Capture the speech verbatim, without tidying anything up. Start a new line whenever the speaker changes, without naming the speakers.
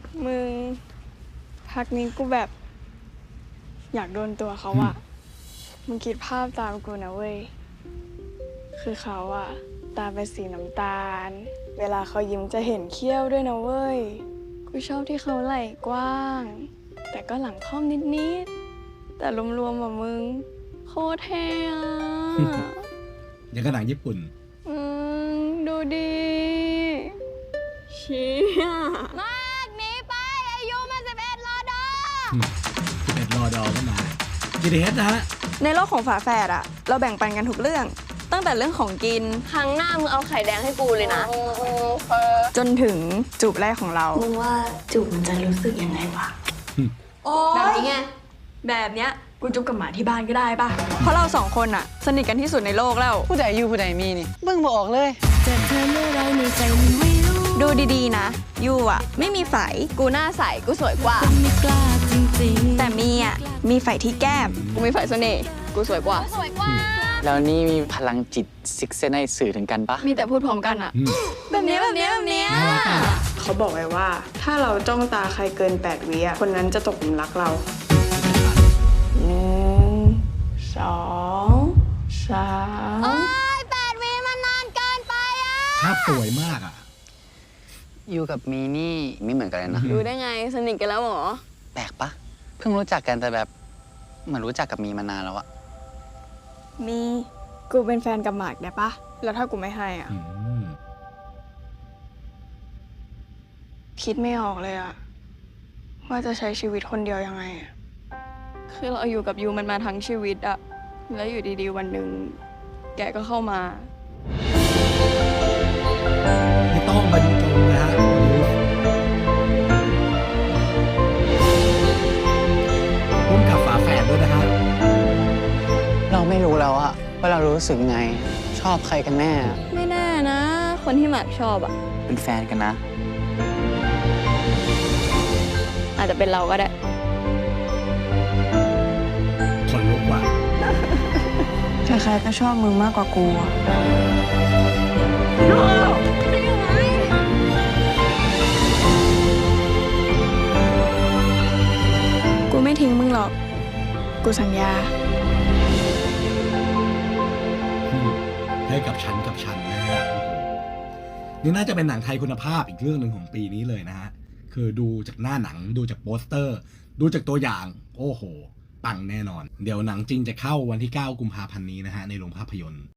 มึงพักนี้กูแบบ อยากโดนตัวเขาอะมึงคิดภาพตามกูนะเว้ย คือเขาอะตาเป็นสีน้ำตาล เวลาเขายิ้มจะเห็นเขี้ยวด้วยนะเว้ย กูชอบที่เขาไหล่กว้าง แต่ก็หลังค่อมนิดๆ แต่รวมๆอะมึง โคตรเท่อะ
อย่างกับหนังญี่ปุ่น
อืมดูดีเชี่ยมากนี้ไปอายุมาสิบเอ็ดรอดอ
สิบเอ็ดรอดอก็มา จี ที เอส นะฮะ
ในโลกของฝาแฝดอะเราแบ่งปันกันทุกเรื่อง ตั้งแต่เรื่องของกิน
ครั้งหน้ามึงเอาไข่แดงให้กูเลยนะ
จนถึงจูบแรกของเรา
มึงว่าจูบมันจะรู้สึกยังไงวะ
แบบนี้ไง แบบเนี้ยกูจุบกับหมาที่บ้านก็ได้ป่ะ เพราะเราสองคนอะสนิทกันที่สุดในโลกแล้ว
ผู้ใดอยู่ผู้ใดมีนี่เบิ่งบ่ออกเลย
ดูดีๆนะยูอะไม่มีไฝ
กูหน้าใส กูสวยกว่า
แต่มีอะมีไฝที่แก้ม
กูมีฝ่ายเสน่ห์ กูสวยกว่า สวยกว่า
แล้วนี่มีพลังจิตซิกเซนให้สื่อถึงกันปะ
มีแต่พูดพร้อมกันอะ
อืม
แบบนี้แบบนี้แบบนี้
น่ารักอ่ะ
เขาบอกไว้ว่า ถ้าเราจ้องตาใครเกินแปดวิอะคนนั้นจะตกหลุมรักเราหนึ่งสองสาม
แปดวิมันนานเกินไปอะ
ภาพสวยมากอ่ะ
อยู่กับมีนี่ไม่เหมือนกันเลยนะ
รู้ได้ไง สนิทกันแล้วเหรอ
แปลกปะเพิ่งรู้จักกันแต่แบบเหมือนรู้จักกับมีมานานแล้วอะ
มีกูเป็นแฟนกับหมากได้ปะแล้วถ้ากูไม่ให้อ่ะ
อืม
คิดไม่ออกเลยอ่ะ ว่าจะใช้ชีวิตคนเดียวยังไงอะคือเราอยู่กับยูมันมาทั้งชีวิตอ่ะ แล้วอยู่ดีๆวันหนึ่งแกก็เข้ามา
ไม่ต้องบรรจงนะฮะร่วมกับฝาแฝดด้วยนะฮะ
เราไม่รู้แล้วอะว่าเรารู้สึกไง ชอบใครกันแน่
ไม่แน่นะ คนที่หมากชอบอะ
เป็นแฟนกันนะ
อาจจะเป็นเราก็ได้
คนลุกว่ะ
ใครๆก็ชอบมึงมากกว่ากูอะกูไม่ทิ้งมึงหรอก กูสัญญา
ให้กับฉันกับฉันนะฮะโอ้โหนี่น่าจะเป็นหนังไทยคุณภาพอีกเรื่องหนึ่งของปีนี้เลยนะฮะ คือดูจากหน้าหนังดูจากโปสเตอร์ ดูจากตัวอย่าง โอ้โห ปังแน่นอน เดี๋ยวหนังจริงจะเข้าวันที่เก้ากุมภาพันธ์นี้นะฮะ ในโรงภาพยนตร์